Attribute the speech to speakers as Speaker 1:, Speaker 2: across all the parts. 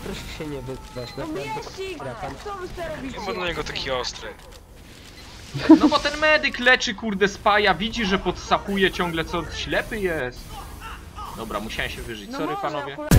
Speaker 1: proszę się nie wyzwać.
Speaker 2: No mieścik! Co wy sobie robicie?
Speaker 3: Nie ma dla niego taki ostry.
Speaker 4: No bo ten medyk leczy kurde spaja, widzi, że podsapuje ciągle, co ślepy jest. Dobra, musiałem się wyżyć,
Speaker 2: No
Speaker 4: sorry
Speaker 2: może
Speaker 4: panowie.
Speaker 2: akurat...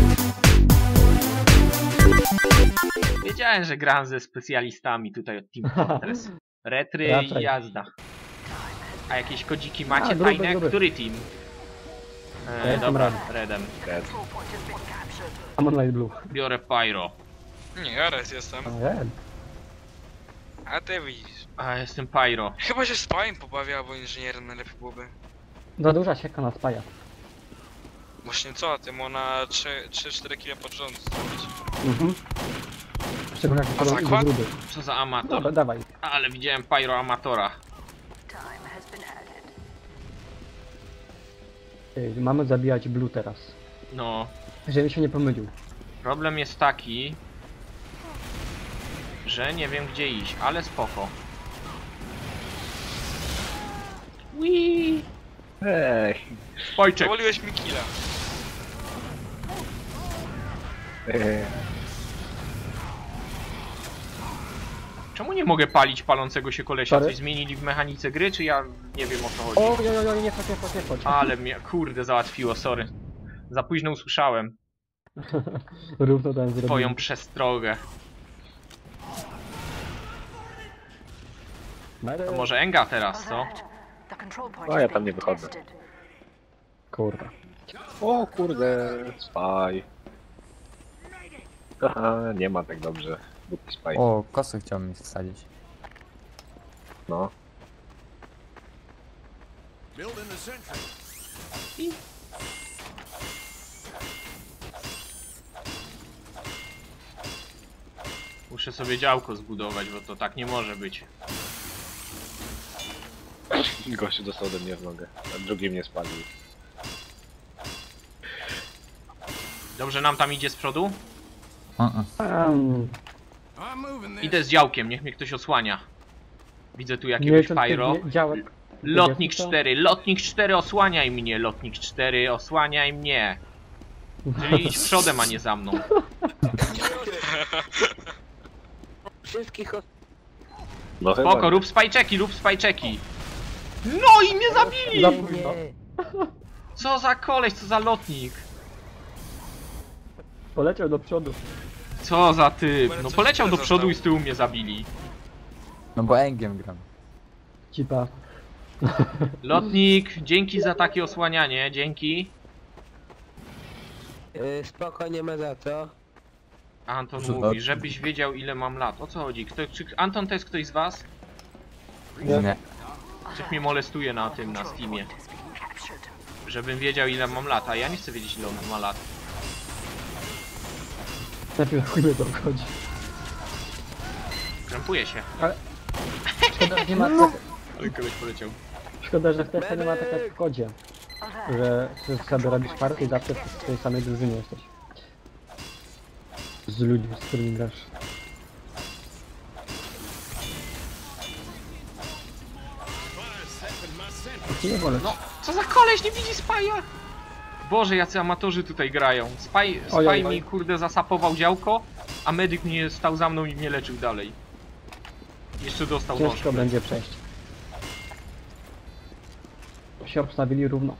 Speaker 4: Wiedziałem, że gram ze specjalistami tutaj od Team Fortress. Retry i
Speaker 5: Raczej.
Speaker 4: jazda. A jakieś kodziki macie
Speaker 5: gruby,
Speaker 4: fajne?
Speaker 5: gruby.
Speaker 4: Który team?
Speaker 5: Ja jestem
Speaker 4: Dobra,
Speaker 5: Red.
Speaker 4: Redem.
Speaker 5: I'm on light blue.
Speaker 4: Biorę Pyro.
Speaker 3: Nie, ja raz jestem.
Speaker 5: Red.
Speaker 3: A ty widzisz.
Speaker 4: A jestem Pyro.
Speaker 3: Chyba się spajem pobawia, albo inżynierem najlepiej byłoby.
Speaker 5: Za duża sieka na spaja.
Speaker 3: Właśnie co, ty mu na 3-4 kg pod rząd zrobić.
Speaker 5: Mhm. Szczególnie jak
Speaker 3: A
Speaker 5: wychodzą
Speaker 3: zakład?
Speaker 5: gruby.
Speaker 4: Co za amator.
Speaker 5: Dobra, dawaj.
Speaker 4: Ale widziałem Pyro amatora.
Speaker 5: Mamy zabijać blue teraz.
Speaker 4: No,
Speaker 5: Żebym się nie pomylił.
Speaker 4: problem jest taki, że nie wiem gdzie iść, ale spoko. Wii.
Speaker 6: Ej,
Speaker 4: Spojczek.
Speaker 3: Powoliłeś mi killa.
Speaker 4: Czemu nie mogę palić palącego się kolesia?
Speaker 5: Sorry?
Speaker 4: Coś zmienili w mechanice gry, czy ja nie wiem o co chodzi?
Speaker 5: Oj, nie chodź, nie chodź.
Speaker 4: Ale mnie kurde załatwiło, sorry. Za późno usłyszałem
Speaker 5: Równo ten zrobił.
Speaker 4: twoją przestrogę. To może Enga teraz, co?
Speaker 6: o ja tam nie wychodzę.
Speaker 5: Kurwa.
Speaker 6: O kurde, spaj. Haha, nie ma tak dobrze. Buty spaj.
Speaker 7: O, kosy chciałbym mi wsadzić.
Speaker 6: No.
Speaker 4: Muszę sobie działko zbudować, bo to tak nie może być.
Speaker 6: Gościu dostał ode mnie w nogę, a drugi mnie spalił.
Speaker 4: Dobrze nam tam idzie z przodu?
Speaker 5: Um,
Speaker 4: Idę z działkiem, niech mnie ktoś osłania. Widzę tu jakiegoś
Speaker 5: miesiąc
Speaker 4: pyro.
Speaker 5: działek.
Speaker 4: Lotnik
Speaker 5: Co?
Speaker 4: 4, lotnik 4, osłaniaj mnie, lotnik 4, osłaniaj mnie. Czyli idź przodem, a nie za mną.
Speaker 1: Wszystkich
Speaker 6: No chyba
Speaker 4: Spoko,
Speaker 6: nie.
Speaker 4: rób spajczeki. No i mnie zabili!
Speaker 5: Zapójno.
Speaker 4: Co za koleś, co za lotnik.
Speaker 5: Poleciał do przodu.
Speaker 4: Co za typ. No poleciał do przodu i z tyłu mnie zabili.
Speaker 7: No bo Engiem gram.
Speaker 5: Cipa.
Speaker 4: Lotnik, dzięki za takie osłanianie, dzięki.
Speaker 1: spoko, nie ma za co.
Speaker 4: Anton
Speaker 7: Co
Speaker 4: mówi,
Speaker 7: lotnik?
Speaker 4: żebyś wiedział ile mam lat. O co chodzi? Czy Anton to jest ktoś z was?
Speaker 7: Nie.
Speaker 4: Ktoś mnie molestuje na tym, na Steamie. Żebym wiedział ile mam lat, a ja nie chcę wiedzieć ile on ma lat.
Speaker 5: Najpierw chuj mnie to obchodzi.
Speaker 4: Krępuję się.
Speaker 5: Szkoda, że nie ma
Speaker 4: Ale koleś poleciał.
Speaker 5: Szkoda, że w TF nie ma tak jak w kodzie. Że sobie robisz partię i zawsze w tej samej drużynie jesteś. Z ludźmi, z którymi grasz. Nie wolę.
Speaker 4: No, co za koleś, nie widzi Spaja? Boże, jacy amatorzy tutaj grają. Spaj
Speaker 5: Ojoj.
Speaker 4: mi kurde zasapował działko, a medyk mnie stał za mną i mnie leczył dalej. Jeszcze dostał nóż.
Speaker 5: Ciężko będzie przejść. Się obstawili równo.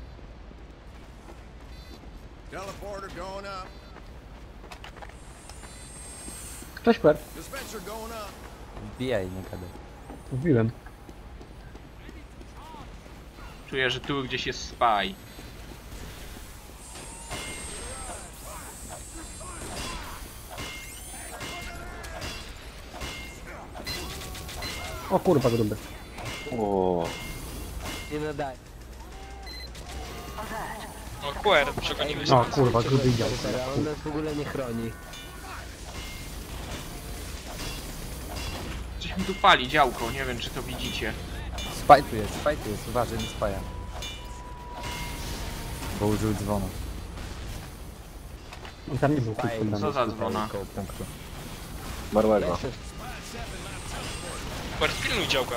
Speaker 8: Teleporter going up.
Speaker 5: Cześć, Kwer.
Speaker 8: Dispenser going up.
Speaker 7: Wbijaj, nie gadaj.
Speaker 5: Mówiłem.
Speaker 4: Czuję, że tu gdzieś jest Spy.
Speaker 5: O kurwa, gruby.
Speaker 6: O,
Speaker 1: Nie nadaje.
Speaker 3: No QR, przegoniłeś.
Speaker 5: O kurwa, gruby idział.
Speaker 1: On nas w ogóle nie chroni.
Speaker 4: Coś mi tu pali działko, nie wiem czy to widzicie.
Speaker 7: Spaj tu jest, uważaj, nie spaja. Bo użył dzwonu.
Speaker 5: On tam nie był
Speaker 7: Spaj,
Speaker 5: quick
Speaker 4: Co za dzwona?
Speaker 7: koło punktu.
Speaker 6: marłego.
Speaker 3: QR, pilnuj działka.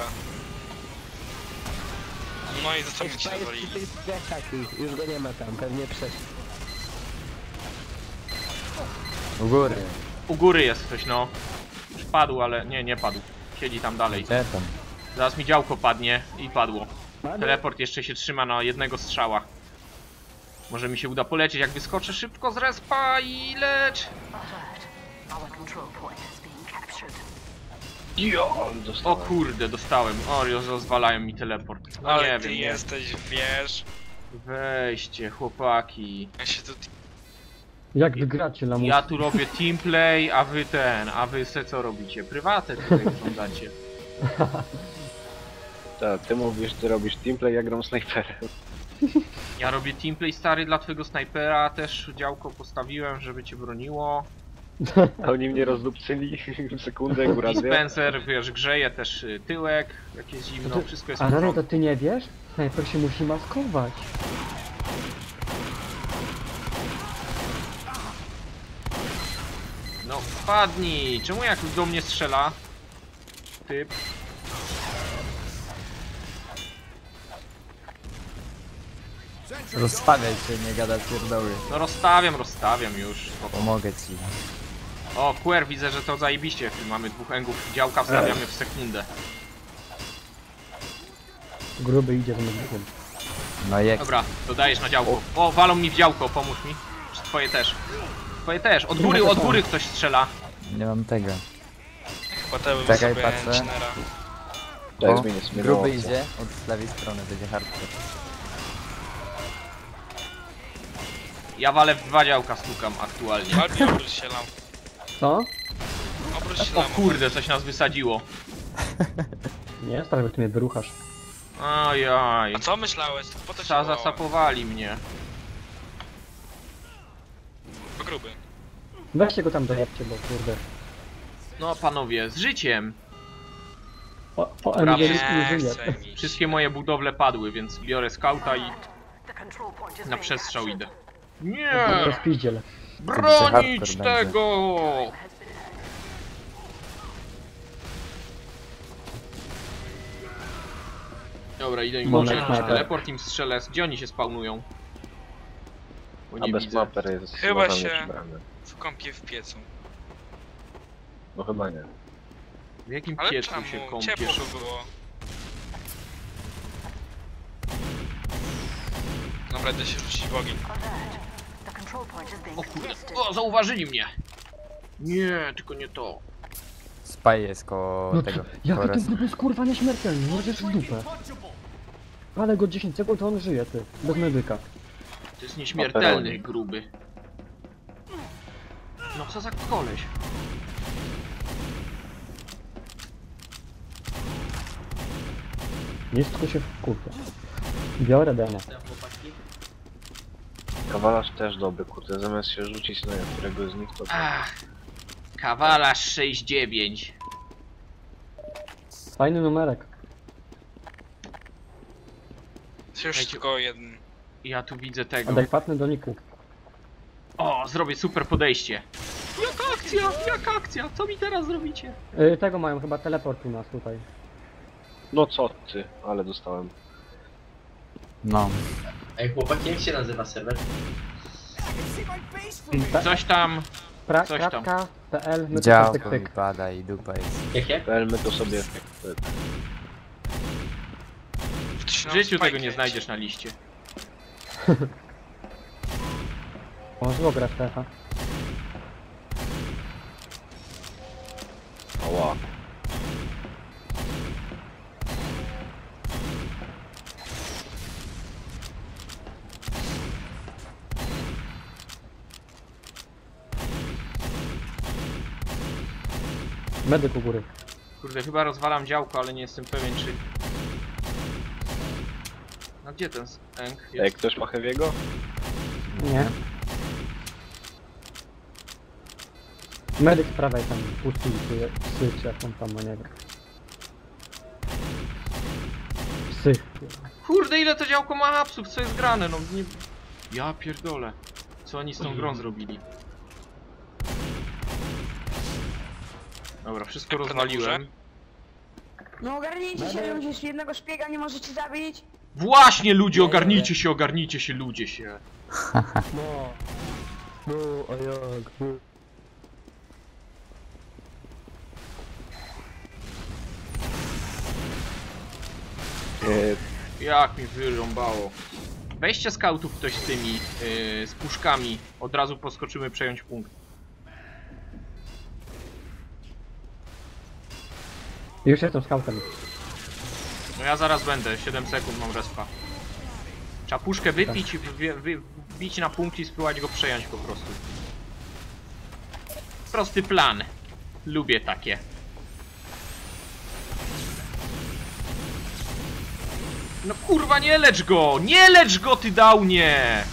Speaker 3: No i zostawić się
Speaker 1: Spaj jest
Speaker 3: zawalili.
Speaker 1: przy tej taki, już go nie ma tam, pewnie przeszedł.
Speaker 7: U góry.
Speaker 4: U góry jest ktoś, no. Już padł, ale nie padł. Siedzi tam dalej.
Speaker 7: Gdzie tam?
Speaker 4: Zaraz mi działko padnie i padło. Teleport jeszcze się trzyma na jednego strzała. Może mi się uda polecieć, jak wyskoczę szybko z respa i lecz.
Speaker 6: Jo,
Speaker 4: O
Speaker 6: dostałem.
Speaker 4: kurde, dostałem. O, rozwalają mi teleport. No
Speaker 3: Ale
Speaker 4: nie
Speaker 3: ty
Speaker 4: wiem, nie.
Speaker 3: jesteś, wiesz.
Speaker 4: Weźcie, chłopaki.
Speaker 3: Ja się tu...
Speaker 5: Jak wygracie lamus?
Speaker 4: Ja tu robię teamplay, a wy se co robicie? Prywatę tutaj oglądacie.
Speaker 6: Tak, ty mówisz, ty robisz teamplay, ja gram snajperem.
Speaker 4: Ja robię teamplay stary dla twojego snajpera, też działko postawiłem, żeby cię broniło.
Speaker 6: A oni mnie rozdupcyli w sekundę, góra
Speaker 4: I
Speaker 6: dwie.
Speaker 4: Spencer, wiesz, grzeje też tyłek, jak jest zimno, wszystko jest
Speaker 5: A
Speaker 4: w
Speaker 5: Rary, to
Speaker 4: porządku.
Speaker 5: ty nie wiesz? Snajper się musi maskować.
Speaker 4: No wpadnij! Czemu jak do mnie strzela? Typ.
Speaker 7: Rozstawiaj się, nie gada pierdoły.
Speaker 4: No rozstawiam już.
Speaker 7: Pomogę ci.
Speaker 4: O, QR, widzę, że to zajebiście. Mamy dwóch engów, działka wstawiamy w sekundę.
Speaker 5: Gruby idzie z medykiem.
Speaker 7: No jak?
Speaker 4: Dobra, dodajesz na działko. O, walą mi w działko, pomóż mi. Czy twoje też? Twoje też. Od góry ktoś strzela.
Speaker 7: Nie mam tego.
Speaker 3: Potem
Speaker 7: Czekaj,
Speaker 3: sobie
Speaker 7: patrzę.
Speaker 3: engineera.
Speaker 6: Tak,
Speaker 7: O,
Speaker 6: zmienię sobie
Speaker 7: gruby
Speaker 6: opcję.
Speaker 7: idzie od lewej strony, będzie hardcore.
Speaker 4: Ja walę w dwa działka stukam aktualnie.
Speaker 3: Albi, obróć się lam.
Speaker 5: Co?
Speaker 3: Obróć się
Speaker 4: O
Speaker 3: lam.
Speaker 4: kurde, coś nas wysadziło.
Speaker 5: Nie, stary, bo ty mnie wyruchasz.
Speaker 4: Ajaj.
Speaker 3: A co myślałeś? Po to się wołałem.
Speaker 4: Zasapowali mnie.
Speaker 3: Bo gruby.
Speaker 5: Weźcie go tam dojebcie, bo kurde.
Speaker 4: No panowie, z życiem.
Speaker 5: O
Speaker 4: Brawo.
Speaker 5: MG nie
Speaker 3: Nie
Speaker 5: żyje.
Speaker 3: chce mi
Speaker 4: Wszystkie moje budowle padły, więc biorę skauta i na przestrzał idę. Nie!
Speaker 5: Rozpiździel.
Speaker 4: Bronić
Speaker 7: hardcore
Speaker 4: tego! Dobra, idę im
Speaker 5: Moment,
Speaker 4: włączyć
Speaker 5: mapę.
Speaker 4: teleport, im strzelę. Gdzie oni się spawnują? Bo
Speaker 6: A
Speaker 4: nie
Speaker 6: bez
Speaker 4: widzę.
Speaker 6: maper jest
Speaker 3: Chyba
Speaker 6: uważam,
Speaker 3: się-
Speaker 6: nieprzybrany.
Speaker 3: w kąpie w piecu.
Speaker 6: No chyba nie.
Speaker 4: W jakim
Speaker 3: Ale
Speaker 4: piecu
Speaker 3: czemu?
Speaker 4: się
Speaker 3: Ciepło
Speaker 4: kąpiesz?
Speaker 3: by było. Dobra, idę się rzucić w ogień.
Speaker 4: O kurde, o, zauważyli mnie! Nie, tylko nie to.
Speaker 7: Spaj jest koło
Speaker 5: No
Speaker 7: tego.
Speaker 5: jaki
Speaker 7: koło
Speaker 5: ten
Speaker 7: res-
Speaker 5: gruby jest kurwa nieśmiertelny, możesz w dupę. Ale go 10 sekund, to on żyje, ty. Bez medyka.
Speaker 4: To jest nieśmiertelny, gruby. No co za koleś?
Speaker 5: Nic, tylko się wkurwia. Biorę demo.
Speaker 6: Kawalarz też dobry, kurde, zamiast się rzucić na którego z nich, to...
Speaker 4: Ach, kawalarz 6-9.
Speaker 5: Fajny numerek.
Speaker 3: Już
Speaker 4: Dajcie-
Speaker 3: tylko jeden.
Speaker 4: Ja tu widzę tego.
Speaker 5: Adekwatny do niku.
Speaker 4: O, zrobię super podejście. Jaka akcja? Co mi teraz zrobicie?
Speaker 5: Tego mają chyba teleport u nas tutaj.
Speaker 6: No co ty, ale dostałem.
Speaker 7: No.
Speaker 9: Ej chłopaki, jak się nazywa serwer?
Speaker 4: Coś tam. coś tam.
Speaker 5: Kratka.pl my to
Speaker 7: Działko
Speaker 5: tyk,
Speaker 7: mi
Speaker 5: tyk.
Speaker 7: pada i dupa jest.
Speaker 9: Jakie?
Speaker 6: PL my to sobie...
Speaker 4: W życiu tego nie znajdziesz na liście.
Speaker 5: O, zło gra Stefa.
Speaker 6: Ała.
Speaker 5: Medyk u góry.
Speaker 4: Kurde, chyba rozwalam działko, ale nie jestem pewien czy... No gdzie ten Eng
Speaker 6: Ej,
Speaker 4: jest?
Speaker 6: ktoś ma Heavy'ego?
Speaker 5: Nie. Medyk z prawej tam puścił psy, czy jak on tam ma, nie wiem. Psy.
Speaker 4: Kurde, ile to działko ma hapsów, co jest grane, no nie... Ja pierdolę. Co oni z tą grą zrobili? Dobra, wszystko
Speaker 3: Jak to na
Speaker 4: rozwaliłem.
Speaker 2: No ogarnijcie się, ludzie, jednego szpiega nie możecie zabić.
Speaker 4: Właśnie ludzie, ogarnijcie się ludzie się.
Speaker 1: No. No, a jak? No.
Speaker 4: Jak mi wyrąbało. Weźcie skautów ktoś z tymi, z puszkami. Od razu poskoczymy przejąć punkt.
Speaker 5: Już jestem skautem.
Speaker 4: No ja zaraz będę, 7 sekund mam respa. Trzeba puszkę wypić i wbić na punkt i spróbować go przejąć po prostu. Prosty plan. Lubię takie. No kurwa, nie lecz go! Nie lecz go, ty downie!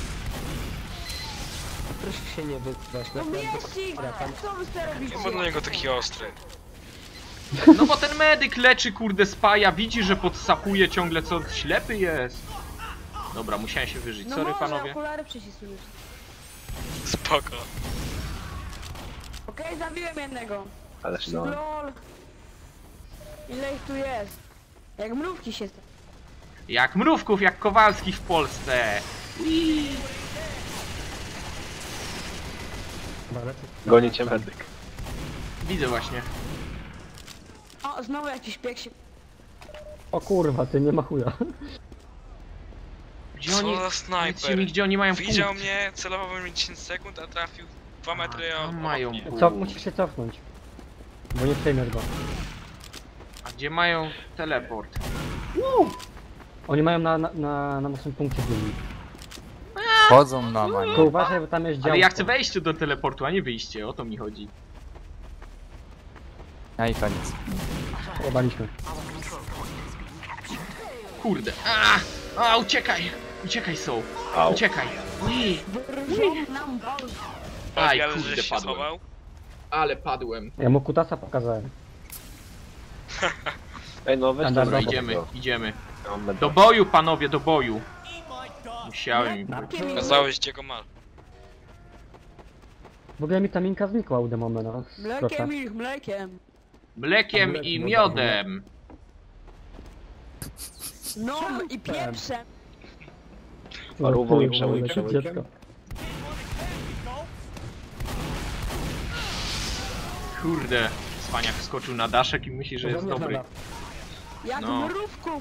Speaker 1: Proszę się nie wyzwać,
Speaker 2: No
Speaker 1: naprawdę.
Speaker 2: mieścik! Co wy sobie robicie?
Speaker 3: Nie będę na niego taki ostry.
Speaker 4: No bo ten medyk leczy, kurde, spaja, widzi, że podsapuje ciągle, co ślepy jest. Dobra, musiałem się wyżyć,
Speaker 2: No
Speaker 4: sorry
Speaker 2: może,
Speaker 4: panowie.
Speaker 2: okulary przycisujesz.
Speaker 3: Spoko.
Speaker 2: Okej, zabiłem jednego.
Speaker 6: Ależ no.
Speaker 2: LOL. Ile ich tu jest? Jak mrówki się...
Speaker 4: Jak mrówków, jak Kowalskich w Polsce.
Speaker 6: Goni cię medyk.
Speaker 4: Widzę właśnie.
Speaker 2: O, znowu jakiś piek się...
Speaker 5: O kurwa, ty nie ma chuja.
Speaker 4: Gdzie
Speaker 3: Co
Speaker 4: oni...
Speaker 3: za
Speaker 4: Powiedzcie
Speaker 3: snajper?
Speaker 4: mi, gdzie oni mają
Speaker 3: Widział
Speaker 4: punkt.
Speaker 3: mnie, celował we mnie 10 sekund, a trafił 2 metry
Speaker 4: A,
Speaker 3: od
Speaker 4: mają
Speaker 3: mnie.
Speaker 4: punkt.
Speaker 5: Co, musisz się cofnąć. Bo nie przejmiesz go.
Speaker 4: A gdzie mają teleport?
Speaker 5: Oni mają na naszym punkcie byli.
Speaker 7: Chodzą na manie.
Speaker 5: To uważaj, bo tam jest działko.
Speaker 4: Ale ja chcę wejście do teleportu, a nie wyjście, o to mi chodzi.
Speaker 7: A i koniec.
Speaker 5: Obaliśmy.
Speaker 4: Kurde. Uciekaj! Uciekaj, Soul.
Speaker 6: Au.
Speaker 4: Uciekaj. Ui.
Speaker 2: Wyrżą nam bal.
Speaker 4: Aj,
Speaker 3: Ale
Speaker 4: kurde,
Speaker 3: żeś się
Speaker 4: padłem.
Speaker 3: schował?
Speaker 4: Ale padłem.
Speaker 5: Ja mu kutasa pokazałem.
Speaker 6: Ej no, weź
Speaker 5: Dobra,
Speaker 4: Dobra,
Speaker 6: tam
Speaker 4: idziemy,
Speaker 6: go.
Speaker 4: idziemy.
Speaker 6: Ja mam medyk.
Speaker 4: Do boju, panowie, do boju. Musiałem.
Speaker 3: Kazałeś gdzie go masz.
Speaker 5: W ogóle mi ta minka znikła u demona, no. Proszę.
Speaker 2: Mlekiem ich, mlekiem.
Speaker 4: Mlekiem i miodem.
Speaker 2: No i pieprzem.
Speaker 6: Parówą i
Speaker 5: Kurwa,
Speaker 6: przełykiem.
Speaker 5: dziecko.
Speaker 4: Kurde. Cwaniak wskoczył na daszek i myśli, że jest dobry.
Speaker 2: Jak
Speaker 4: No.
Speaker 2: mrówków.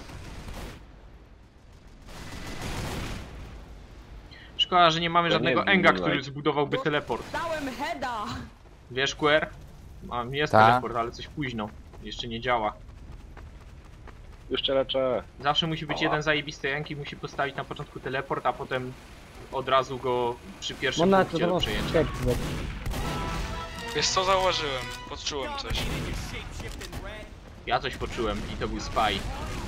Speaker 4: Szkoda, że nie mamy
Speaker 6: Ja
Speaker 4: żadnego
Speaker 6: nie wiem,
Speaker 4: Enga,
Speaker 6: no,
Speaker 4: który
Speaker 6: like.
Speaker 4: zbudowałby teleport.
Speaker 2: Dałem heada.
Speaker 4: Wiesz, Quer? Jest
Speaker 7: Ta.
Speaker 4: teleport, ale coś późno. Jeszcze nie działa.
Speaker 6: Już cię leczę.
Speaker 4: Zawsze musi być
Speaker 6: Ała.
Speaker 4: jeden zajebisty Enk i musi postawić na początku teleport, a potem od razu go przy pierwszym
Speaker 5: Można to
Speaker 4: punkcie do
Speaker 5: znowu
Speaker 4: przejęcia.
Speaker 5: skek.
Speaker 3: Wiesz co zauważyłem? Poczułem coś.
Speaker 4: Ja coś poczułem i to był spy.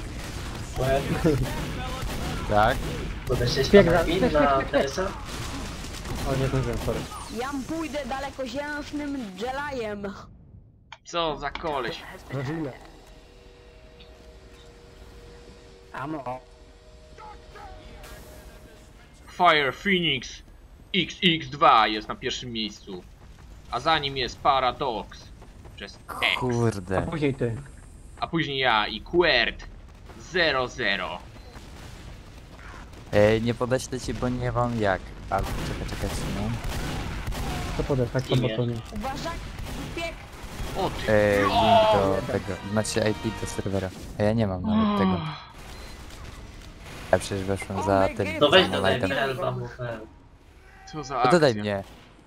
Speaker 7: Tak?
Speaker 9: Podeszłeś
Speaker 5: Szpieg
Speaker 9: na
Speaker 5: za-
Speaker 9: pin
Speaker 5: szpieg,
Speaker 9: na
Speaker 5: szpieg, szpieg.
Speaker 9: TS-a?
Speaker 5: O, nie zdążyłem, sorry.
Speaker 2: Ja pójdę dalekoziężnym Jelajem.
Speaker 4: Co za koleś.
Speaker 1: Rodzina. Amo.
Speaker 4: Fire Phoenix XX2 jest na pierwszym miejscu. A za nim jest Paradox. Przez X.
Speaker 7: Kurde.
Speaker 5: Później ty.
Speaker 4: A później ja i Quert 00.
Speaker 7: Nie podeślę ci, bo nie mam jak. Ale czekaj, no.
Speaker 5: Co podesz, tak po
Speaker 9: Imię.
Speaker 5: botonie.
Speaker 2: Uważaj, piek.
Speaker 4: O ty.
Speaker 7: Link do tego. Znaczy IP do serwera. A ja nie mam nawet tego. Ja przecież weszłem za tym.
Speaker 9: No weź
Speaker 7: za
Speaker 9: dodaj
Speaker 7: lightem.
Speaker 9: mnie albumem.
Speaker 4: Co za
Speaker 7: To
Speaker 4: akcja.
Speaker 7: dodaj mnie.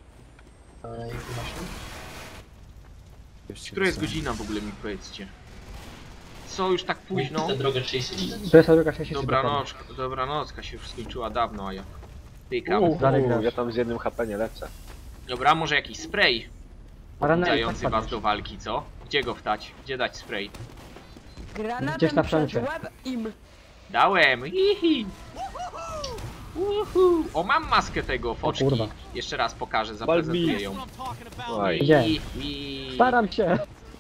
Speaker 7: Już ci
Speaker 4: Która jest
Speaker 7: wysyłam.
Speaker 4: godzina w ogóle, mi powiedzcie? Co, już tak późno?
Speaker 9: Tę drogę 30.
Speaker 5: To jest druga 63.
Speaker 4: Dobranocka się już skończyła dawno, a ja pykam.
Speaker 5: Dalej grasz.
Speaker 6: Ja tam z jednym HP nie lecę.
Speaker 4: Dobra, może jakiś spray
Speaker 5: Ranel,
Speaker 4: dający
Speaker 5: tak
Speaker 4: was
Speaker 5: padniesz.
Speaker 4: do walki, co? Gdzie go wtać? Gdzie dać spray?
Speaker 2: Granatem
Speaker 5: Gdzieś na
Speaker 2: przez
Speaker 5: froncie.
Speaker 2: łeb im.
Speaker 4: Dałem! Hihi! Uhu. O, mam maskę tego, foczki.
Speaker 5: kurwa.
Speaker 4: Jeszcze raz pokażę, zaprezentuję ją.
Speaker 6: Oj.
Speaker 5: Gdzie?
Speaker 4: Hihi.
Speaker 5: Staram się!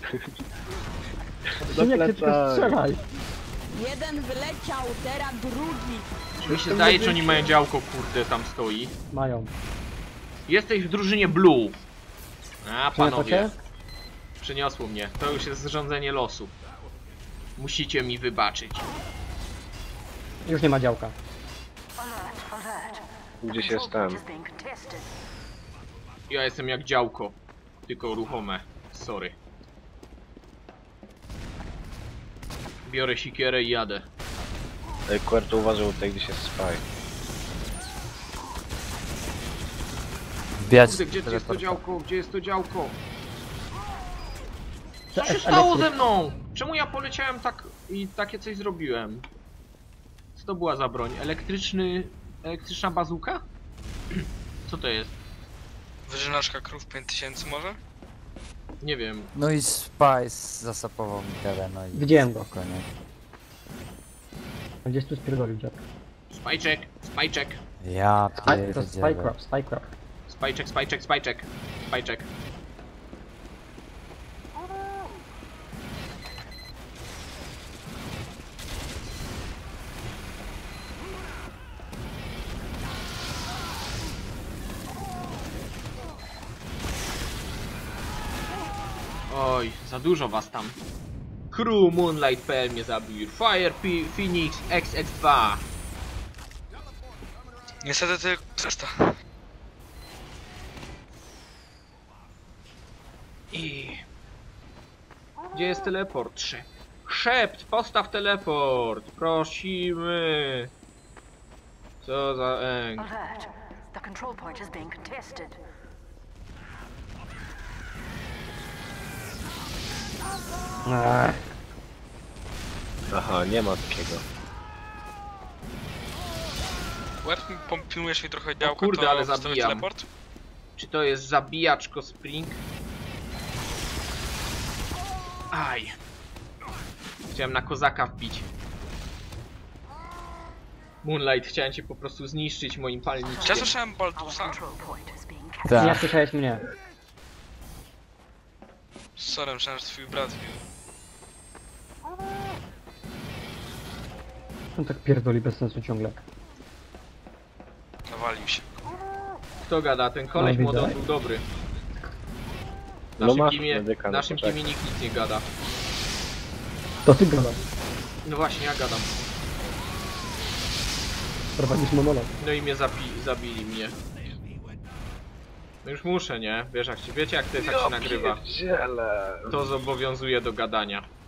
Speaker 5: Syniak, ty tylko
Speaker 6: plecak.
Speaker 5: strzelaj!
Speaker 2: Jeden wyleciał, teraz drugi.
Speaker 4: Mi się zdaje, że oni mają działko, kurde, tam stoi.
Speaker 5: Mają.
Speaker 4: Jesteś w drużynie Blue. A,
Speaker 5: Przyniosło
Speaker 4: panowie.
Speaker 5: cię?
Speaker 4: Przyniosło mnie. To już jest zrządzenie losu. Musicie mi wybaczyć.
Speaker 5: Już nie ma działka.
Speaker 6: Gdzieś jest ten.
Speaker 4: Ja jestem jak działko. Tylko ruchome. Sorry. Biorę sikierę i jadę.
Speaker 6: Querto uważał tutaj, gdzieś jest spy.
Speaker 7: Wbijać
Speaker 4: Kurde, gdzie jest to
Speaker 7: teleporta.
Speaker 4: działko? Gdzie jest to działko? Co
Speaker 5: To
Speaker 4: się
Speaker 5: jest
Speaker 4: stało
Speaker 5: elektryk.
Speaker 4: ze mną? Czemu ja poleciałem tak i takie coś zrobiłem? Co to była za broń? Elektryczna bazuka? Co to jest?
Speaker 3: Wyżynaczka krów 5000 może?
Speaker 4: Nie wiem.
Speaker 7: No i Spice zasapował mi tyle, no i...
Speaker 5: Widziałem go.
Speaker 7: Spokojnie.
Speaker 5: Gdzieś tu spierdolił dziad.
Speaker 4: Spajczek, spajczek,
Speaker 7: Ja
Speaker 5: To jest
Speaker 7: pierdzielę.
Speaker 5: Spycraft, Spycraft.
Speaker 4: spajczek, spajczek, spajczek, spajczek. Oj, za dużo was tam. Crew Moonlight.pl mnie zabił. Fire Phoenix XX2.
Speaker 3: Niestety tylko 300.
Speaker 4: I... Gdzie jest teleport? Szept, postaw teleport. Prosimy. Co za eng.
Speaker 10: Alert. The control point is being contested.
Speaker 6: Aha, nie ma takiego.
Speaker 3: Łeb, pilnujesz mi trochę działka,
Speaker 4: kurde,
Speaker 3: to
Speaker 4: ale
Speaker 3: wstawię
Speaker 4: zabijam.
Speaker 3: teleport?
Speaker 4: Czy to jest zabijaczko Spring? Aj. Chciałem na kozaka wbić. Moonlight, chciałem cię po prostu zniszczyć moim
Speaker 3: Czy ja
Speaker 4: palniczkiem.
Speaker 3: słyszałem
Speaker 10: Our
Speaker 3: Baldusa?
Speaker 10: control point is being
Speaker 5: Nie
Speaker 7: Tak.
Speaker 5: słyszałeś mnie.
Speaker 3: Sorry, myślałem, że twój brat bił.
Speaker 5: On tak pierdoli bez sensu ciągle.
Speaker 3: Nawalił się.
Speaker 4: Kto gada? Ten koleś
Speaker 5: No,
Speaker 4: młody
Speaker 5: widzę.
Speaker 4: był dobry. W
Speaker 6: No
Speaker 4: naszym
Speaker 6: masz
Speaker 4: teamie,
Speaker 6: medyka,
Speaker 4: w
Speaker 6: no
Speaker 4: naszym
Speaker 6: poczekaj.
Speaker 4: teamie nikt nic nie gada.
Speaker 5: To ty gadasz.
Speaker 4: No właśnie, ja gadam.
Speaker 5: Prowadzisz monolog.
Speaker 4: No i mnie zabili mnie. No już muszę, nie? Wiesz jak wiecie jak to jest, jak się nagrywa.
Speaker 6: Pierdziele.
Speaker 4: To zobowiązuje do gadania.